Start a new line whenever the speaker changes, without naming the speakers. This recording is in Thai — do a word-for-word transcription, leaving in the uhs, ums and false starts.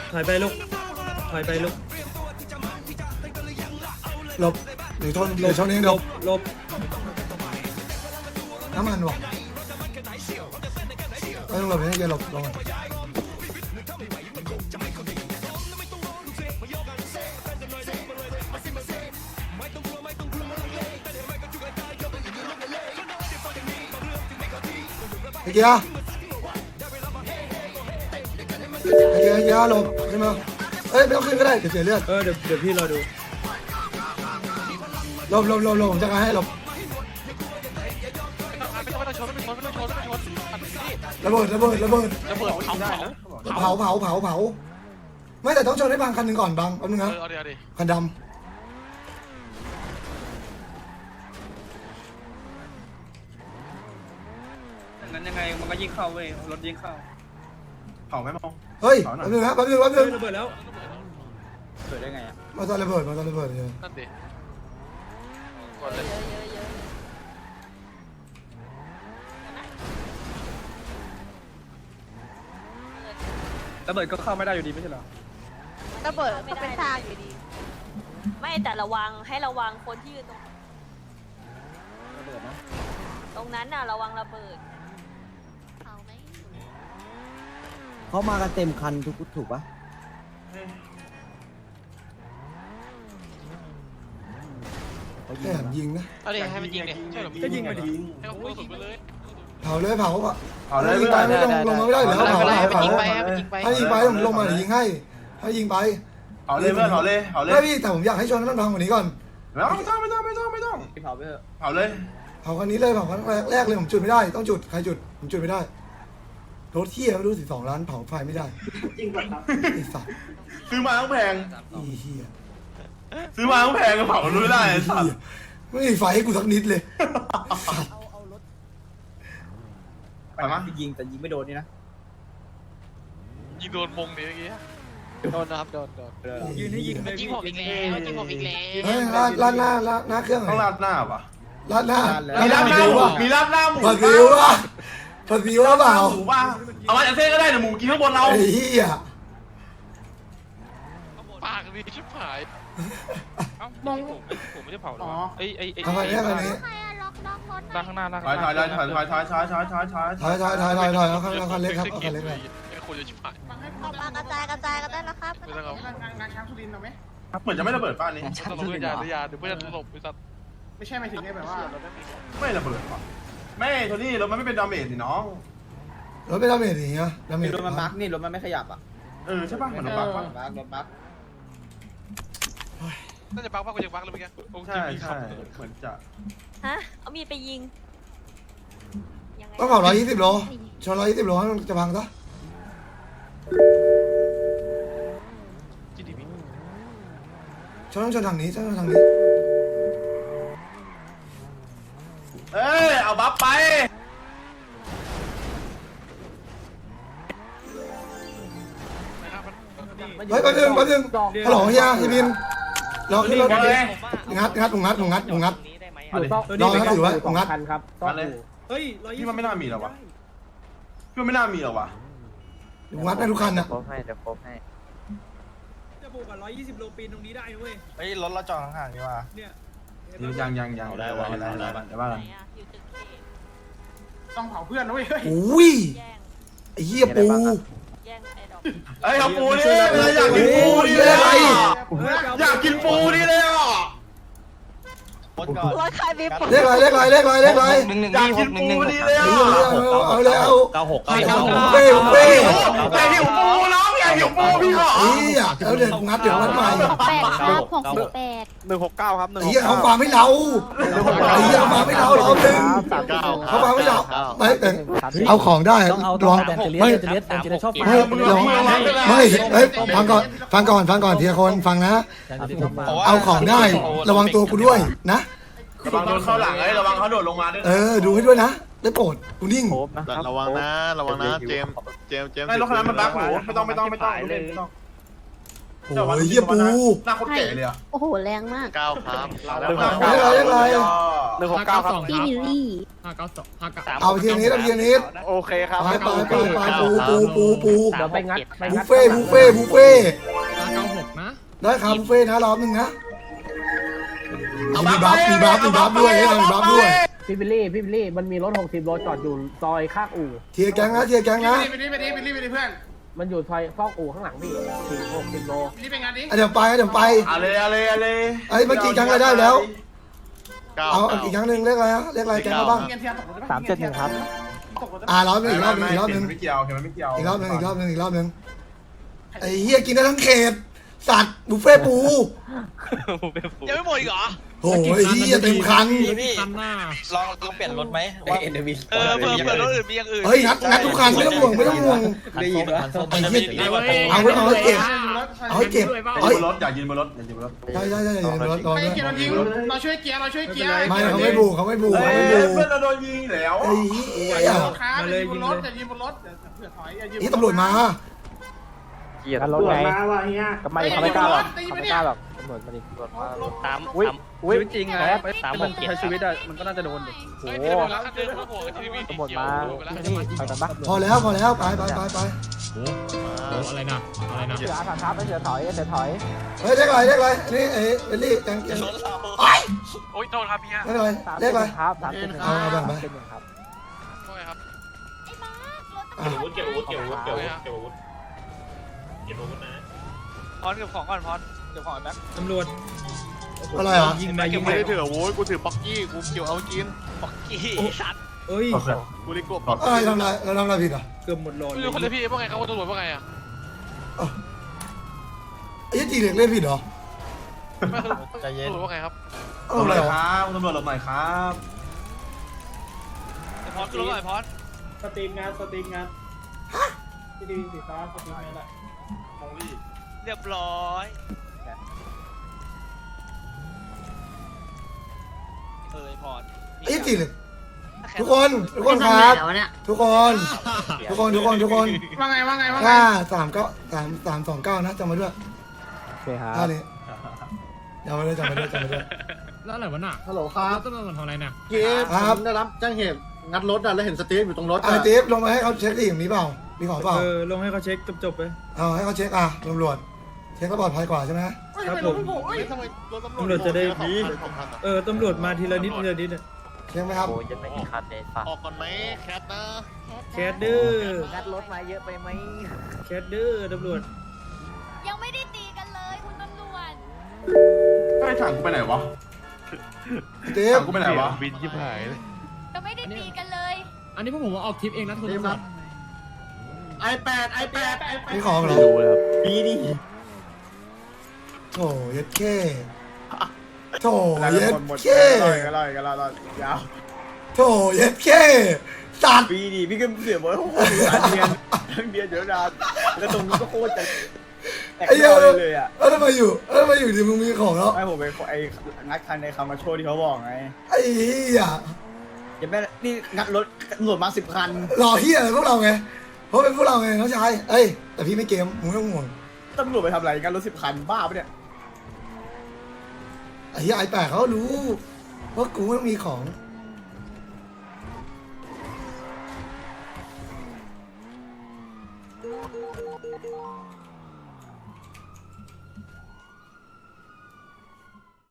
ถอยไปลูกถอยไปลูก
หลบหรือชนหรือชนเอง
หล
เดี๋ยว
บหลบ
น้ำมันวะไม่ต้องหลบไม่ต้องอย่าหลบลงมาไอ้เกียร์ไอ้เกียร์ไอ้เกียร์หลบขึ้นมาเอ้ยไม่ต้องขึ้นก็ได้เดี๋ยวเสียเลือด
เออเดี๋ยวเดี๋ยวพี่รอดู
หลบหลบหลบหลบผมจะการให้หลบ
ไม่ต้องไม่ต้องชนไม่ต้องชนไม่ต้องชนไม่ต้องชน
ระเบิดระเบิดระเบิด
ระเบิดเผาเผา
เผาเผาเผาเผาไม่แต่ต้องชนให้บางคันหนึ่งก่อนบางแป๊บนึง
เอ
นะ
อเอาดิเอาดิ
คันด
นั้นยังไงมันก็ยิงเข้าเว้ยรถยิงเข้า
เผาไหมมอง
ำเฮ้ยแป๊บนึงนะแป๊บนึงแป๊บนึ
เฮ้
ง
ยระเบิดแล้ว
เกิดได้ไงอ่ะ
มาตอนระเบิดมาตอนระเบิดเลย
นั่นดิกดเลย
ระเบิดก็เข้าไม่ได้อยู่ดีไม่ใช่เหรอ
ระเบิดก็เป็นทางอยู่ดี
ไม่แต่ระวังให้ระวังคนที่อยู่ตรง
ระเบิดนะ
ตรงนั้นน่ะระวังระเบิด
เขาไหม
เขามากันเต็มคันทุกถูกปะเขายิ
แค่
ง
ยิงนะ
เอาดิให้มันยิงดิใช่หรอ
ก็ยิงมาดิ
ให้เขาพูดสุดไปเลย
เผาเลยเผา
เผาเลย
ยิงไปไม่ลงลงมาไม่ได้เหรอเผาเผาเผา
ยิงไปยิงไป
ให้ยิงไปผมลงมาเดี๋ยวยิงให้ให้ยิงไป
เผาเลยเพื่อนเผาเลยเผาเลย
ไม่พี่แต่ผมอยากให้ชนให้มันพังกว่านี้ก่อน
ไม่ต้องไม่ต้องไม่ต้องไม่ต้อง
ที่เผาไปเถอะ
เผาเลย
เผาคันนี้เลยเผาคันแรกเลยผมจุดไม่ได้ต้องจุดใครจุดผมจุดไม่ได้รถเที่ยไม่รู้สิบสองล้านเผาไฟไม่ได้จริงป่ะครับไอ้สัตว์
ซื้อมาต้องแพง
อีเหี้ย
ซื้อมาต้องแพงก็เผารู้ไม่ได้ไอ้สัตว์
ไม่มีไฟให้กูสักนิดเลย
ไปมั้ย
ยิงแต่ยิงไม่โดนนี่นะ
ยิงโดนมงดิเมื่อกี้โดนนะครับโดนโดน
ยืนให้ยิงเลย
ยิงผมอีกแล้วยิงผมอีกแล้ว
เฮ้ยลาดลาดหน้าลาดหน้าเครื่องหน่
ต้
อ
อย งราดหน้าป่ะ
ลาดหน้า
มีราดหน้าหมูมีราดหน้าหมู
ผัดซีอิ๊วป่ะผัดซีอิ๊วเปล่า
หมูป่ะเอามาจากเส้นก็ได้เดี๋ยวหมูกินข้างบนเรา
ไอ้เหี้ย
ปากดีชิบหายมองผมไม่ได้เผาหรอไอ้ไอ้ไอ้
ทำไมเนี่ยคันนี้
ใครอะล็อกล็อกรถหน่
ล่า
อง ย
ข้างหน้าล่าง
ถอยถอยถอยถอยถอยถอยถอยถอยถอยถอย
ถอยถอยถอยถอยถอยเอาคันเอาคันเล็กครับเอาคันเล็กเลย
ไอ้คนจะชิบหาย
ออกมากระจายกระจายกันได้แล้วครับ
ไม่ต้องเอา
เหมือนจะไม่ระเบิดป้านี้
ตลบเพื่อนยาเดี๋ยวยาเดี๋ยวเพื่อนตลบไปสัตว์
ไม่ใช่ไม่ถึงได้แบบว่า
ไม่ระเบิดป่ะไม่โทนี่รถมันไม่เป็นดาเมจสิน้อง
รถไม่ดาเมจอย่างเงี้ยดาเมจ
รถมันบั๊กนี่รถมันไม่ขยับอ่ะ
เออใช่ป่ะมันบักป่ะ
บั๊กรถบั๊ก
น่าจะบักมากกว่ายังบักเลยเมื่อกี้
ใช่ใช่เหมือนจะ
ฮะเอามีดไปยิงยังไง
ต้องเผาร้อยยี่สิบโลชนร้อยยี่สิบโลให้มันจะพังซะ
จีดีพี
ชนต้องชนทางนี้ชนต้องทางนี้
เอ้ยเอาบัฟไป
เฮ้ยแป๊บนึงแป๊บนึงฮัลโหลเฮียพี่บินรอขึ้นรถ
มาเลย
งัดงัดผมงัดผมงัดผมงัด
เอาดิ
รอนะถือไว้ผมงัด
มาเลย
เฮ้ยร้อยยี่
พี่
สิบ
มันไม่น่ามีหรอวะพี่มันไม่น่ามีหรอวะ
ผมงัดได้ทุกคันนะ
ครบให้เดี๋ยวครบให้
จะบวกกับร้อยยี่สิบโลปีนตรงนี้ได้นะเว้ย
เฮ้ยรถเราจอดห่างๆดีว่า
เนี่ย
ยังยังยังได้ว่าได้ได้ได้ว่า
ไห
กัน
นอะอยู่ตึกเค
ต้องเผาเพื่อนนะเว้ย
อุ้ย
แย่ง
ไอ้เหี้ยปู
แย่งไอ้ดอก
เอ้ยเอาปูดิอยากกินปูดิเลยอยากกินปูดิเลยอ่ะ
รถใครมีปุ๊บ
เลขอะไรเลขอะไรเลขอะไรเลขอะไร
หนึ่งหนึ่ง
อยากกินปูดิเลยอ่ะ
เอาเลยเอา
เก้าหก
เอา
เก้าหก
เป้เป้
อยากหิวปูน้องอยากหิวปูพี่ขอ
เฮียเอาเดี๋ยวงัดเดี๋ยวงัดใหม่
แปดครับหกสิบแปด
หนึ่งหกเก้าครับหนึ่ง
ไอ้เหี้ยเขาฟังไม่เราไอ้เหี้ยเขาฟังไม่เราเราหนึ่งเขาฟังไม่เราไม่แต่เอาของได้
ต้องเอา
ลอง
แบนเจเลียสเจเลียสแบนเจเลียสชอบฟัง
ไม่ลองไม่เฮ้ยฟังก่อนฟังก่อนฟังก่อนทีละคนฟังนะ
แบนเจเลียสชอบฟัง
เอาของได้ระวังตัวกูด้วยนะ
ระวังโดนเข้าหลังไอ้ระวังเขาโดดลงมาด้วย
เออดูให้ด้วยนะได้โปรดกูนิ่ง
ครบนะครับ
ระวังนะระวังนะเจมส์เจมส์เจมส์
ไม่รถคันนั้นมันบั๊กหนูไม่ต้องไม่ต้องไม่ต้องไม่ต้อง
โอ้ยเหี้ยปู
หน้าคนแก่เลยอ่ะ
โอ้โห แรงมาก
เก้าครับ
เรียกอะไรเรียกอะไร
หนึ่งหกเก้าครับ
พี่วิลลี่
ห้าเก้าสองห้าเก้า
เอาไปทีนี้เอาไปทีนี้
โอเคครับ
ไปไปไปไปปูปูปูปู
เดี๋ยวไปงัดไป
บุ
งั
ฟ
ด
เฟ่บุฟเฟ่บุฟเฟ่
ห้าเก้าหกนะ
ได้ครับบุฟเฟ่นะรอบหนึ่งนะมีบัฟมีบัฟมีบัฟด้วยมีบัฟด้วย
พี่บิลลี่พี่บิลลี่มันมีรถหกสิบโลจอดอยู่ซอยข้างอู่
เทียร์แกงนะเทียร์แกงนะ
ไปดิไปดิไปดิไปดิเพื่อน
มันอยู่ซอยฟอกอู่ข้างหลังพี่สี่หกสิบโล
นี่เป็นงานดิ
เดี๋ยวไปเดี๋ยวไป
อะไรอะไรอะไร
ไอ้เมื่อกี้แกงอะไรได้แล้ว
เก้า
เอาอีกครั้งหนึ่งเรียกอะไรนะเรียกอะไรแกงมาบ้าง
เงินเทียนตกรถ
สามเจ็ดหนึ่งครับ
อ่ารอบหนึ่งอีกรอบหนึ่งอีกรอบหนึ่ง
ไม่เกี่ยวเห็นมันไม่เกี่ยว
อีกรอบหนึ่งอีกรอบหนึ่งอีกรอบหนึ่งไอ้เฮียกินได้ทั้งเขตสัตว์บุฟเฟ่ปู
ยังไม่หมดอีกเหรอ
โอ้ยเฮียเต็มคัน
คันหน้า
ลองลองเปลี่ยนรถไหมว่าเอ็นวี
เออเผื่อเผื่อรถอื่นมีอย่างอื่น
เฮ้ยงัดงัดทุกคันไม่ต้องห่วงไม่ต้องห่วง
ได้ยินว่า
ไอ้เหี้ยเอาไว้เอาไว้เก็บเอาไว้เก็บ
ยื
เฮ้ย
นบนรถอย่ายืนบนรถอย่ายืนบนรถ
ใช่ใช่ใช่อย่าลืมรถรอ
ไม่
ด้วย
เกียร์เรายิงเราช่วยเกียร์เราช่วยเกียร์
ไม่เขาไม่บูเขาไม่บูเขาไม่บู
เพื่อนเราโดนยิงแล้ว
ไอ้เหี้ย
ครับอย่ายืนบนรถอย่ายืนบนรถเผื่อถอยอย่ายืน
นี่ตำรวจมา
เกียร์รถไงก็ไม่เขาไม่กล้าหรอกเขาไม่กล้าหรอกตำรวจมาดิตำรวจมา
สาม
อุ้ย
สาม
อุ้ย
ชีวิตจริงไง
สามหกเจ็ด
ใช้ชีวิตอะมันก็น่าจะโดนดิ
โอ้
โอ้
โห
แล้วคันเดิมก็ห่วงกับทีวี
ตำรวจมานี่ไปกันปะ
พอแล้วพอแล้วไปไปไปไป
โอ้อะไรนะอะไรนะ
เสือถามครับเสือถอยเสือถอย
เฮ้ยเรียกอะไรเรียกอะไรนี่เอ้เบลลี่แกงแกง
รถเรา
ไอ้
โอ้ยโทษครับพี่ฮะ
เรียกอะไร
สาม
เรียกอะไร
ครับสามเจ็ดหนึ่ง
เอาเอาแบบไหน
เจ็ดหนึ่งครับ
โทษครับ
อ่ะ
เก็บอาวุธเก็บอาวุธเก็บอาวุธเก็บอาวุธเก็บอาวุธนะพอนเก็บของก่อนพอนเก็บของก่อนนะ
ตำรวจ
อะไรเหรอ
ยิงมายิ
เก็บ
ง
ไม่
มา
ได้ถืออาวุธกูถือป๊อกกี้กูเกี่ยวเอากิน
บอกกี้สัตว์
เอ้ย
กูเลยกบ
อะไรทำอะไรเราทำอะไรผิดอ่ะ
เกือบหมดหลอด
ไม่
เล
รู้คนเลย
ย
พี่ว่าไงครับว่าตำรวจว่าไงอ่ะ
ไอ้จีเด็กเล่นผิดเหรอ
ไม่คือตำรวจว่าไงครับ
เอาอะไรเหรอ
ครับตำรวจหลบหน่อยครับ
พอนขึ้นรถหน่อยพอน
สตรีมงานสตรีมงานที่ดีสีฟ้าสตรีมงานแหละ
เรียบร้อยเออพร
ไอ้จีเด็กทุกคนทุกคนครับทุกคนทุกคนทุกคนทุกคน
ว่าไงว่าไงว่าไง
ห้าสามเก้าสามสามสองเก้านะจำมาด้วย
โอเคครับ
ท่านี้จำมาด้วยจำมาด้วยจำมาด้วย
แล้วอะไรวะน่ะ
ฮัลโหลครับ
ตำรวจทำอะไรน่ะ
เกียร์ผมได้รับแจ้งเหตุงัดรถอ่ะแล้วเห็นสตีฟอยู่ตรงรถ
ไอ้
อ่ะ
เทปลงมาให้เขาเช็คดิมีเปล่ามีของเปล่า
เออลงให้เขาเช็คจบๆไป
เอาให้เขาเช็คอ่ะตำรวจเช็คก็ปลอดภัยกว่าใช่ไหม
ครับผม
ทำไมรถ
ตำรวจจะได้ดีเออตำรวจมาทีละนิดทีละนิดอะ
เช็คไหมครับ
โอ้ยจะไม่มีคันเลยฝาก
ออกก่อนไหมแคทนะ
แคดดื้อ
งัดรถมาเยอะไปไหม
แคดดื้อตำรวจ
ยังไม่ได้ตีกันเลยคุณตำรวจ
ไอ้ถังกูไปไหนวะ
เทป
ถังกูไปไหนวะ
บินชิบหายเลย
ยังไม่ได้ตีกันเลย
อันนี้พวกผมว่าออกทริปเองนะคุณตำรวจ
ไอแปดไอแปดไอแปด
มีของเหรอ
ปีนี่
โถเย็ดเค้โถเย็ดเค้
กันเลยกันเลยยาว
โถเย็ดเค้สัตว์
ปีนี่พี่ก็เสียบ่อยโอ้โหหลายเดือนทั้งเดือนเดี๋ยวนานแล้วตรงนี้ก็โคตรจะแตก
ไอ้เหี้ย
เลยเลยอ่ะ
แล้วทำไมอยู่แล้วทำไมอยู่ดีมึงมีของแล้ว
ไม่ผมไปไอ้งัดคันในคำมาโชว์ที่เขาบอกไง
ไอ้เหี้ย
อย่าแม่นี่งัดรถตำรวจมาสิบคัน
รอเหี้ยอะไรพวกเราไงเพราะเป็นพวกเราไงน้องชายเอ้ยแต่พี่ไม่เกมมึงไม่ต้องห่วง
ตำรวจไปทำอะไรงัดรถสิบคันบ้าปะเนี่ย
ไอ้เหี้ยไอ้แปดเขารู้ว่ากูต้องมีของ